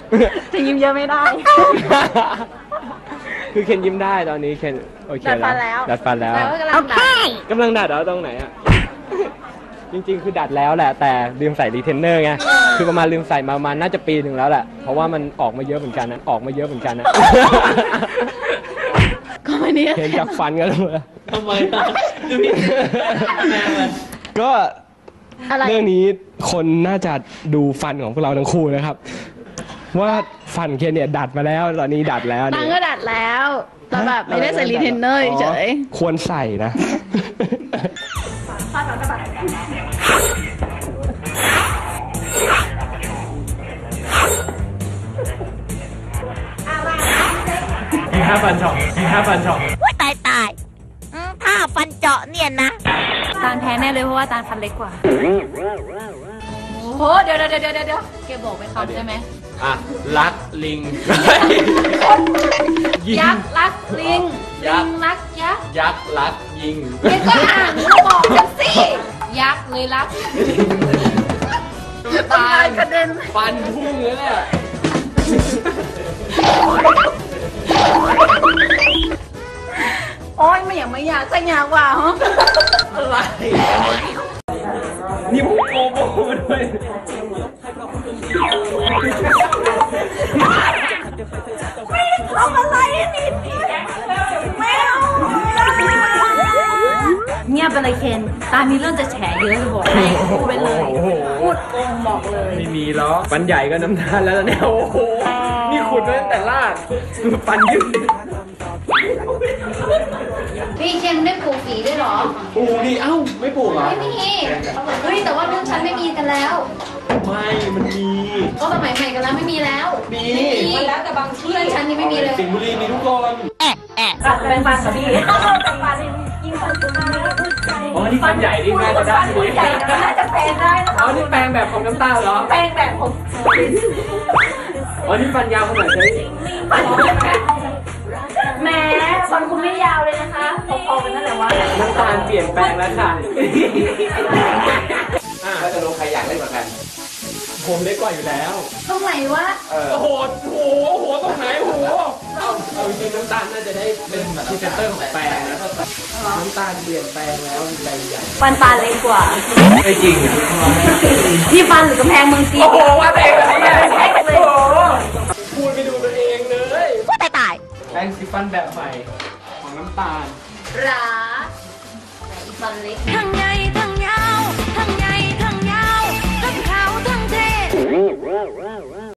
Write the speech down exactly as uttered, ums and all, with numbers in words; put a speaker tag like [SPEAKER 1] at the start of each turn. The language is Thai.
[SPEAKER 1] จะยิ้มเยอะไม่ได้
[SPEAKER 2] คือเคนยิ้มได้ตอนนี้เคนโอเคแล้วดัดฟันแล้ว
[SPEAKER 1] โอเค
[SPEAKER 2] กำลังดัดแล้วตรงไหนอ่ะจริงๆคือดัดแล้วแหละแต่ลืมใส่รีเทนเนอร์ไงคือประมาณลืมใส่มาประมาณน่าจะปีหนึ่งแล้วแหละเพราะว่ามันออกมาเยอะเหมือนกันนะออกมาเยอะเหมือนกันนะ
[SPEAKER 1] ก็ไม่เนี่ย
[SPEAKER 2] เห็นจากฟันกันเลย
[SPEAKER 3] ทำไมล่ะดูพี่แม่มัน
[SPEAKER 2] ก็เรื่องนี้คนน่าจะดูฟันของพวกเราทั้งคู่นะครับว่าฟันเคนเนี่ยดัดมาแล้วตอนนี้ดัดแล้ว
[SPEAKER 1] ตังก็ดัดแล้วแต่แบบไม่ได้ใส่รีเทนเนอร์เฉย
[SPEAKER 2] ควรใส่นะมีห้าฟันเจาะมีห้าฟันเจาะ
[SPEAKER 4] ว้าตายตายถ้าฟันเจาะเนี่ยนะ
[SPEAKER 1] ตาลแพ้แน่เลยเพราะว่าตาลฟันเล็กกว่าโอ้โหเดี๋ยวเดี๋ยวเดี๋ยวเดี๋ยวเกบอกไปคำใช่ไหม
[SPEAKER 2] อ่ะรักลิง
[SPEAKER 1] ยักษ์รักลิงลิงรักยักษ์
[SPEAKER 2] ยักษ์รักยิง
[SPEAKER 1] เกก็อ่านมาบอกกันสิยักษ์เลยรักตายกระเด็น
[SPEAKER 2] ฟันพุ่งเลยเนี่ย
[SPEAKER 1] โอ้ยไม่อยากไม่อยากจะอยากว่าฮะ
[SPEAKER 2] อะไรนี่ผมโกโบด้วย
[SPEAKER 1] ไม่ทำอะไรนี่ไม่เอาเงียบไปเลยเคนตามีเรื่องจะแฉเยอะจะบอกให้พูดไปเลยพูดโกงบอกเลย
[SPEAKER 2] ไม่มีหรอกฟันใหญ่ก็น้ำตาลแล้วเนี่ยโอ้โหนี่ขุดมาตั้งแต่ลากฟันยืด
[SPEAKER 1] พี่เคนได้ปลูกฝีด้วยหรอ
[SPEAKER 2] ปลูกดิเอ้าไม่ปลูกเหรอ
[SPEAKER 1] ไม่มีเฮ้ยแต่ว่ารุ่นฉันไม่มีกันแล้ว
[SPEAKER 2] ไม่มันมี
[SPEAKER 1] ก็สมัยใหม่กันแล้วไม่มีแล้ว
[SPEAKER 2] มี
[SPEAKER 1] มันแล้วแต่บางเพื่อนฉันนี่ไม่มีเลย
[SPEAKER 2] สิงห์บุรีมีทุกคน
[SPEAKER 4] แอะแอะ
[SPEAKER 1] แปลงฟันกับพี่แต่ฟันยิ่งฟันตัวนี้
[SPEAKER 2] อ๋อนี่ฟันใหญ่นี่แม่จะได้
[SPEAKER 1] ฟันใหญ่น่าจะแปลงได้นะคะ
[SPEAKER 2] อ๋อนี่แปลงแบบของน้ำตาเหรอ
[SPEAKER 1] แปลงแบบของ
[SPEAKER 2] อ๋อนี่ฟันยาวขนาดไหน
[SPEAKER 1] ฟันแหมฟันคุณไม่ยาวเลยนะคะพอๆกันนั่นแหละว่า
[SPEAKER 2] น้ำตาลเปลี่ยนแปลงแล้วค่ะถ้าจะลงใครอยากเล่นเหมือนกันผมเล็กกว่าอยู่แล้ว
[SPEAKER 1] ตรงไหนวะ
[SPEAKER 2] โอ้โหโอ้โหโอ้โหตรงไหนโอ้โหเอาจริงน้ำตาลน่าจะได้เป็นพรีเซนเตอร์ของแปลงนะน้ำตาลเปลี่ยนแปลงแล้วใจใหญ่
[SPEAKER 1] ฟันตาเล็กกว่า
[SPEAKER 2] ไม่จริง
[SPEAKER 1] ที่ฟันหรือกำแพงเมืองจีน
[SPEAKER 2] โอ้โหว่าเองเลยพูดไปดูตัวเองเลย
[SPEAKER 4] ว้าตายตาย
[SPEAKER 2] แปรงสีฟันแบบใหม่ของน้ำตาล
[SPEAKER 1] หราฟันเล็กทางไง